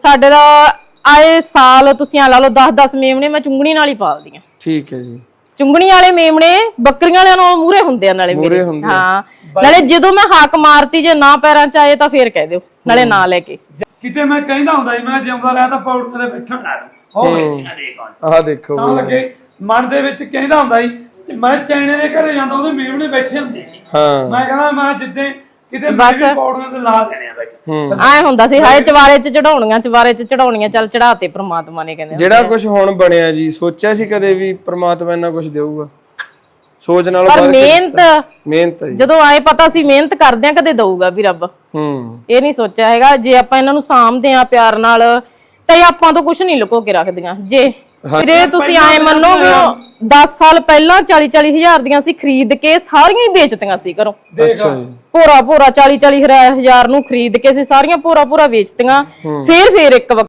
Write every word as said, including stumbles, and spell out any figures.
ਸਾਡੇ ਦਾ ਆਏ ਸਾਲ ਤੁਸੀਂ ਆ ਲਾ ਲਓ ਦਸ ਦਸ ਮੇਮਣੇ ਮੈਂ ਚੁੰਗਣੀ ਨਾਲ ਹੀ ਪਾਲਦੀ ਆ। ਠੀਕ ਹੈ ਜੀ। ਚੁੰਗਣੀ ਵਾਲੇ ਮੇਮਣੇ ਬੱਕਰੀਆਂ ਵਾਲਿਆਂ ਨਾਲੋਂ ਮੂਰੇ ਹੁੰਦੇ ਆ ਨਾਲੇ ਮੇਰੇ। ਹਾਂ ਨਾਲੇ ਜਦੋਂ ਮੈਂ ਹਾਕ ਮਾਰਤੀ ਜੇ ਨਾ ਪੈਰਾਂ ਚ ਆਏ ਤਾਂ ਫੇਰ ਕਹਿ ਦਿਓ ਨਾਲੇ ਨਾ ਲੈ ਕੇ। ਕਿਤੇ ਮੈਂ ਕਹਿੰਦਾ ਹੁੰਦਾ ਸੀ ਮੈਂ ਜਿਉਂਦਾ ਰਿਹਾ ਤਾਂ ਪੌੜੀਆਂ ਦੇ ਬੈਠਣ ਲਾ ਉਹ ਬੈਠੀਆਂ ਦੇਖ ਆਹ ਦੇਖੋ ਸਾਂ ਲੱਗੇ ਮਨ ਦੇ ਵਿੱਚ ਕਹਿੰਦਾ ਹੁੰਦਾ ਸੀ ਮੈਂ ਚੈਣੇ ਦੇ ਘਰੇ ਜਾਂਦਾ ਉਹਦੇ ਮੇਮਣੇ ਬੈਠੇ ਹੁੰਦੇ ਸੀ। ਹਾਂ ਮੈਂ ਕਹਿੰਦਾ ਮੈਂ ਜਿੱਦੇ ਕਿਤੇ ਮੈਂ ਪੌੜੀਆਂ ਤੇ ਲਾ ਦੇਣੇ ਆ ਬੈਠ ਆਏ ਹੁੰਦਾ ਸੀ ਹਾਏ ਚਵਾਰੇ ਚ ਚੜਾਉਣੀਆਂ ਚਵਾਰੇ ਚ ਚੜਾਉਣੀਆਂ ਚੱਲ ਚੜਾਤੇ ਪ੍ਰਮਾਤਮਾ ਨੇ ਕਹਿੰਦੇ। ਜਿਹੜਾ ਕੁਝ ਹੁਣ ਬਣਿਆ ਜੀ ਸੋਚਿਆ ਸੀ ਕਦੇ ਵੀ ਪ੍ਰਮਾਤਮਾ ਇੰਨਾ ਕੁਝ ਦੇਊਗਾ? ਸੋਚ ਨਾਲ ਪਰ ਮਿਹਨਤ ਮਿਹਨਤ ਜਦੋਂ ਆਏ ਪਤਾ ਸੀ ਮਿਹਨਤ ਕਰਦੇ ਆ ਕਦੇ ਦਊਗਾ ਵੀ ਰੱਬ। ਹੂੰ ਇਹ ਨਹੀਂ ਸੋਚਿਆ ਹੈਗਾ ਜੇ ਆਪਾਂ ਇਹਨਾਂ ਨੂੰ ਸਾਂਭਦੇ ਆ ਪਿਆਰ ਨਾਲ ਤਾਂ ਆਪਾਂ ਤੋਂ ਕੁਝ ਨਹੀਂ ਲੁਕੋ ਕੇ ਰੱਖਦੀਆਂ। ਜੇ ਵੀਰੇ ਤੁਸੀਂ ਆਏ ਮੰਨੋਗੇ ਦਸ ਸਾਲ ਪਹਿਲਾਂ ਚਾਲੀ ਚਾਲੀ ਹਜ਼ਾਰ ਦੀਆਂ ਸੀ ਖਰੀਦ ਕੇ ਸਾਰੀਆਂ ਹੀ ਵੇਚਤੀਆਂ ਸੀ ਘਰੋਂ। ਅੱਛਾ ਜੀ। ਪੂਰਾ ਪੂਰਾ ਚਾਲੀ ਚਾਲੀ ਹਜ਼ਾਰ ਨੂੰ ਖਰੀਦ ਕੇ ਸੀ ਸਾਰੀਆਂ ਪੂਰਾ ਪੂਰਾ ਵੇਚਤੀਆਂ। ਫੇਰ ਫੇਰ ਇੱਕ